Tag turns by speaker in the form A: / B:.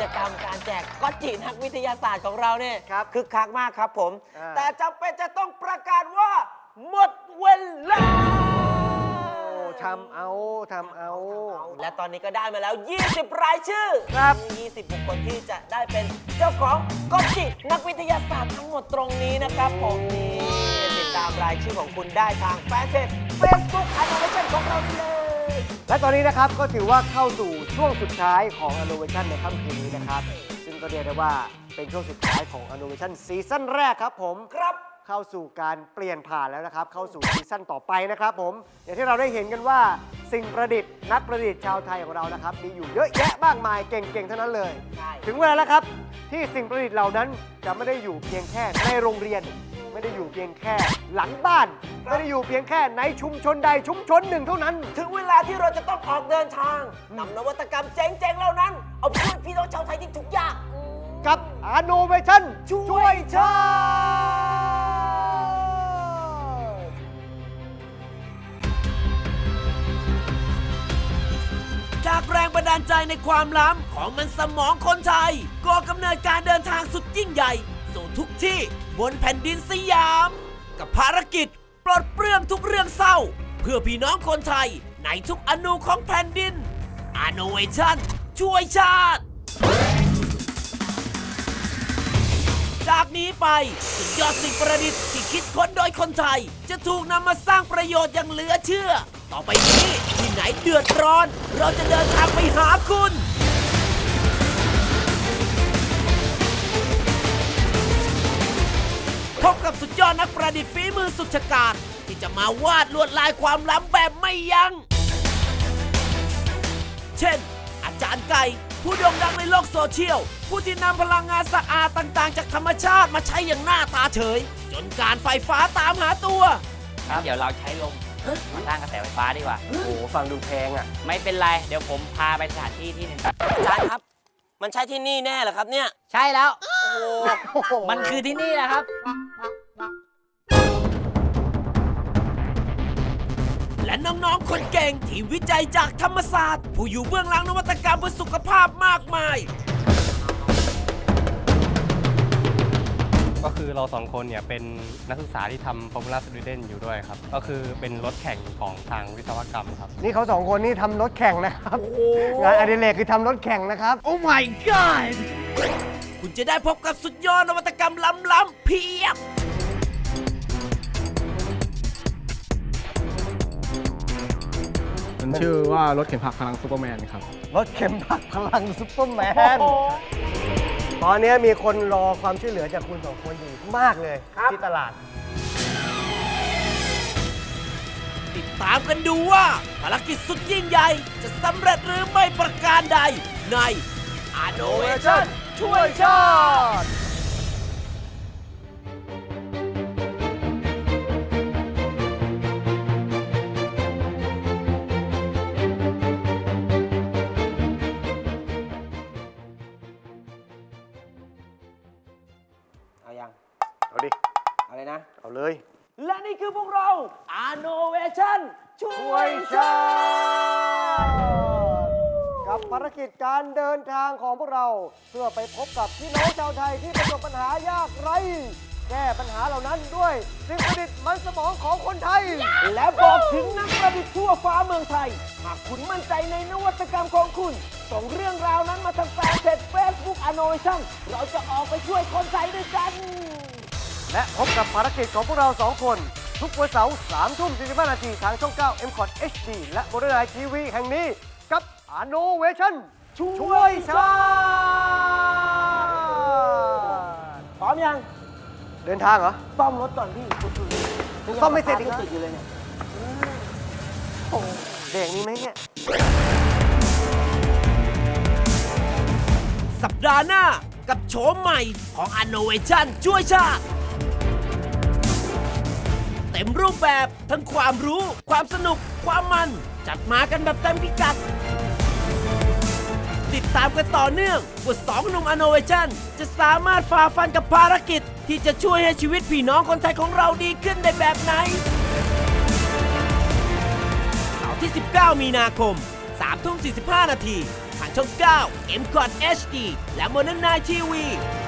A: กรรมการแจกก๊อตจินักวิทยาศาสตร์ของเราเนี่ยคึกคักมากครับผมแต่จำเป็นจะต้องประกาศว่าหมดเวลา
B: ทำเอา
A: และตอนนี้ก็ได้มาแล้ว 20 รายชื่อ
B: ครับ
A: 20 บุคคลที่จะได้เป็นเจ้าของก๊อตจินักวิทยาศาสตร์ทั้งหมดตรงนี้นะครับผมนี่ติดตามรายชื่อของคุณได้ทางแฟนเพจ Facebook Innovation ของเราเลย
B: และตอนนี้นะครับก็ถือว่าเข้าสู่ช่วงสุดท้ายของ Innovation ในค่ำคืนนี้นะครับซึ่งก็เรียกได้ว่าเป็นช่วงสุดท้ายของ Innovation ซีซั่นแรกครับผม
A: ครับ
B: เข้าสู่การเปลี่ยนผ่านแล้วนะครับเข้าสู่ซีซั่นต่อไปนะครับผมอย่างที่เราได้เห็นกันว่าสิ่งประดิษฐ์นักประดิษฐ์ชาวไทยของเรานะครับมีอยู่เยอะแยะมากมายเก่งๆทั้งนั้นเลยถึงเวลาแล้วครับที่สิ่งประดิษฐ์เหล่านั้นจะไม่ได้อยู่เพียงแค่ในโรงเรียนไม่ได้อยู่เพียงแค่หลังบ้านไม่ได้อยู่เพียงแค่ในชุมชนใดชุมชนหนึ่งเท่านั้น
A: ถึงเวลาที่เราจะต้องออกเดินทางนำนวัตกรรมเจ๋งๆเหล่านั้นเอาไปช่วยพี่น้องชาวไทยที่ทุกยาก
B: กับ Innovation ช่วยชา
A: จากแรงบันดาลใจในความล้ำของมันสมองคนไทยก่อกำเนิดการเดินทางสุดยิ่งใหญ่สู่ทุกที่บนแผ่นดินสยามกับภารกิจปลดเปลื้องทุกเรื่องเศร้าเพื่อพี่น้องคนไทยในทุกอนูของแผ่นดิน Innovation ช่วยชาติจากนี้ไปสุดยอดสิ่งประดิษฐ์ที่คิดค้นโดยคนไทยจะถูกนำมาสร้างประโยชน์อย่างเหลือเชื่อต่อไปนี้ที่ไหนเดือดร้อนเราจะเดินทางไปหาคุณพบกับสุดยอดนักประดิษฐ์ฝีมือสุดฉกาจที่จะมาวาดลวดลายความล้ำแบบไม่ยัง้งเช่นอาจารย์ไก่ผู้โด่งดังในโลกโซเชียลผู้ที่นำพลังงานสะอาดต่างๆจากธรรมชาติมาใช้อย่างหน้าตาเฉยจนการไฟฟ้าตามหาตัว
C: ครับเดี๋ยวเราใช้ลมมาสร้างกระแสไฟฟ้าดีกว่า
B: โอ้โหฟังดูแพงอ่ะ
C: ไม่เป็นไรเดี๋ยวผมพาไปสถานที่ที่หนึ่ง
A: อาจารย์ครับมันใช่ที่นี่แน่เหรอครับเนี่ย
C: ใช่แล้ว
A: โอ้โห
C: มันคือที่นี่แหละครับ
A: และน้องๆคนเก่งที่วิจัยจากธรรมศาสตร์ผู้อยู่เบื้องหลังนวัตกรรมเพื่อสุขภาพมากมาย
D: ก็คือเรา2คนเนี่ยเป็นนักศึกษาที่ทำ Formula Student อยู่ด้วยครับก็คือเป็นรถแข่งของทางวิศวกรรมครับ
B: นี่เขา2คนนี่ทำรถแข่งนะครับงานอดิเรกคือทำรถแข่งนะครับ
A: Oh my god คุณจะได้พบกับสุดยอดนวัตกรรมล้ำๆเพียบ
E: มันชื่อว่ารถเข็นผักพลังซูเปอร์แมนครับ
B: รถเข็นผักพลังซูเปอร์แมนตอนนี้มีคนรอความช่วยเหลือจากคุณ2คนอยู่มากเลยที่ตลาด
A: ติดตามกันดูว่าภารกิจสุดยิ่งใหญ่จะสำเร็จหรือไม่ประการใดใน Innovation ช่วยชาติ
B: เอาดิ
A: อะไรนะ
B: เอาเลย
A: และนี่คือพวกเรา Innovation ช่วยชาติ
B: กับภารกิจการเดินทางของพวกเราเพื่อไปพบกับพี่น้องชาวไทยที่ประสบปัญหายากไร้แก้ปัญหาเหล่านั้นด้วยสิ่งประดิษฐ์มันสมองของคนไทย
A: และบอกถึงนักประดิษฐ์ทั่วฟ้าเมืองไทยหากคุณมั่นใจในนวัตกรรมของคุณส่งเรื่องราวนั้นมาทางแฟนเพจ Facebook Innovation เราจะออกไปช่วยคนไทยด้วยกัน
B: และพบกับภารกิจของพวกเรา2คนทุกวันเสาร์ 3:45 นาทีทางช่อง 9 MCOT HD และบนไลน์ทีวีแห่งนี้กับ Innovation ช่วยชาติ
A: พร้อมยัง
B: เดินทางเหรอ
A: ซ่อมรถก่อนพี่
B: ซ่อมไม่เสร็จอีกนะ
A: ติดอยู่เลยเนี่ย
B: เด็กมีไหมเนี่ย
A: สัปดาห์หน้ากับโฉมใหม่ของ Innovation ช่วยชาติเต็มรูปแบบทั้งความรู้ความสนุกความมันจัดมากันแบบเต็มพิกัดติดตามกันต่อเนื่องว่า2 หนุ่ม Innovation จะสามารถฝ่าฟันกับภารกิจที่จะช่วยให้ชีวิตพี่น้องคนไทยของเราดีขึ้นได้แบบไหนเสาร์ที่ 19 มีนาคม 3:45 นาทีทางช่อง 9 M กอด HD และ Modern Night TV